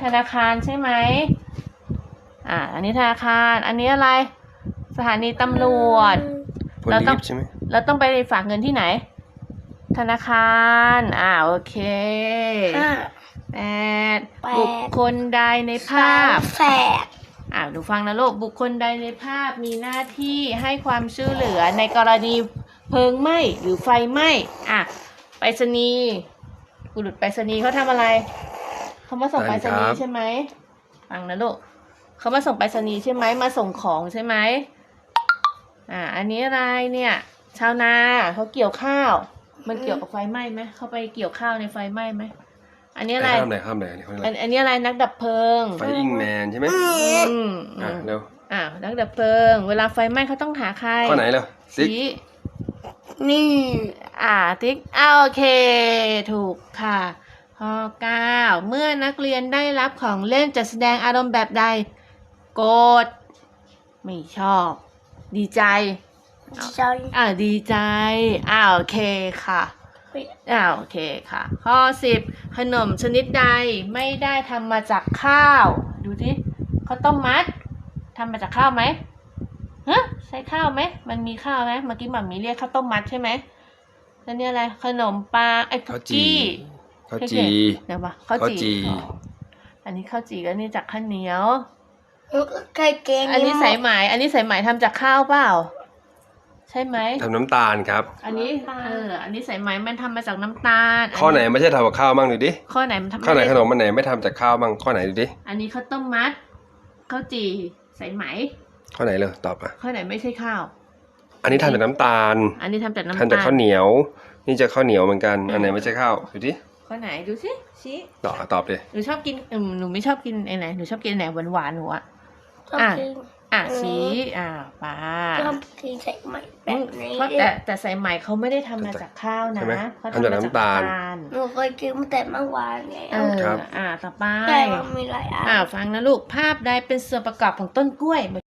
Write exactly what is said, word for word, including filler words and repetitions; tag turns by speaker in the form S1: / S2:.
S1: ธนาคารใช่ไหมอ่าอันนี้ธนาคารอันนี้อะไรสถานีตำรวจเราต้องใช่ไหมเราต้องไปฝากเงินที่ไหนธนาคารอ่าโอเคแปดบุคคลใดในภาพ
S2: แฝด
S1: อ่าดูฟังนะลูกบุคคลใดในภาพมีหน้าที่ให้ความช่วยเหลือในกรณีเพลิงไหม้หรือไฟไหม้อ่ะไปรษณีย์บุรุษไปรษณีย์เขาทำอะไรเขามาส่งไปรษณีย์ใช่ไหมฟังนะลูกเขามาส่งไปรษณีย์ใช่ไหมมาส่งของใช่ไหมอ่าอันนี้อะไรเนี่ยชาวนาเขาเกี่ยวข้าวมันเกี่ยวกับไฟไหม้ไหมเขาไปเกี่ยวข้าวในไฟไหม้ไหมอันนี้อะไร
S3: ข้ามไหนข้ามไหนอันนี้เขาเรียก
S1: อันอันนี้อะไรนักดับเพลิง
S3: ไฟอิงแมนใช่ไหม
S1: อืม
S3: อ่ะเร็ว
S1: อ่านักดับเพลิงเวลาไฟไหม้เขาต้องหาใคร
S3: ข้อไหนเร็วติ๊ก
S1: นี่อ่าติ๊กอ่าโอเคถูกค่ะข้อเก้าเมื่อนักเรียนได้รับของเล่นจะแสดงอารมณ์แบบใดโกรธไม่ชอบดีใจอ่าดีใจอ่าโอเคค่ะอ่าโอเคค่ะข้อสิบขนมชนิดใดไม่ได้ทำมาจากข้าวดูสิข้าวต้มมัดทำมาจากข้าวไหมฮะใช้ข้าวไหมมันมีข้าวไหมเมื่อกี้หม่ามีเรียกข้าวต้มมัดใช่ไหมแล้วนี่อะไรขนมปังไอ้คุกกี้
S3: ข้าวจี
S1: เดี๋ยวมาข้าวจีอันนี้ข้าวจีก็นี่จากข้าวเหนียว
S2: ไก่เกง
S1: อันนี้สายไหมอันนี้สายไหมทำจากข้าวเปล่าใช่ไหม
S3: ทำน้ำตาลครับ
S1: อันนี้เอออันนี้สายไหมมันทำมาจากน้ำตาล
S3: ข้อไหนไม่ใช่ทำกับข้าวบ้างดูดิ
S1: ข้อไหนมันทำ
S3: ข้อไหนขนมมันไหนไม่ทำจากข้าวบ้างข้อไหนดูดิ
S1: อันนี้ข้าวต้มมัดข้าวจีสายไหม
S3: ข้อไหนเลยตอบอ่ะ
S1: ข้อไหนไม่ใช่ข้าว
S3: อันนี้ทำจากน้ำตาล
S1: อันนี้ทำจากน้ำตาล
S3: ทำจากข้าวเหนียวนี่จะข้าวเหนียวเหมือนกันอันไหนไม่ใช่ข้าวดูดิ
S1: ข้อไหนดูสิชี้
S3: ตอบตอบเลย
S1: หนูชอบกินอืมหนูไม่ชอบกินไอ้ไหนหนูชอบกินไหนหวานหวานหนูอ่ะ
S2: อ่ะ
S1: อ่ะชี้อ่ะปลา
S2: ชอบกินใส่ไหมแบบนี้
S1: แต่แต่ใส่ไหมเขาไม่ได้ทำมาจากข้าวนะ
S3: เขาทำจากน้ำตาล
S2: หนูเคยกินแต่เมื่อวานไง
S1: เอออ่ะต่อไป
S2: แต่มันมีหลายอัน
S1: อ่ะฟังนะลูกภาพใดเป็นส่วนประกอบของต้นกล้วย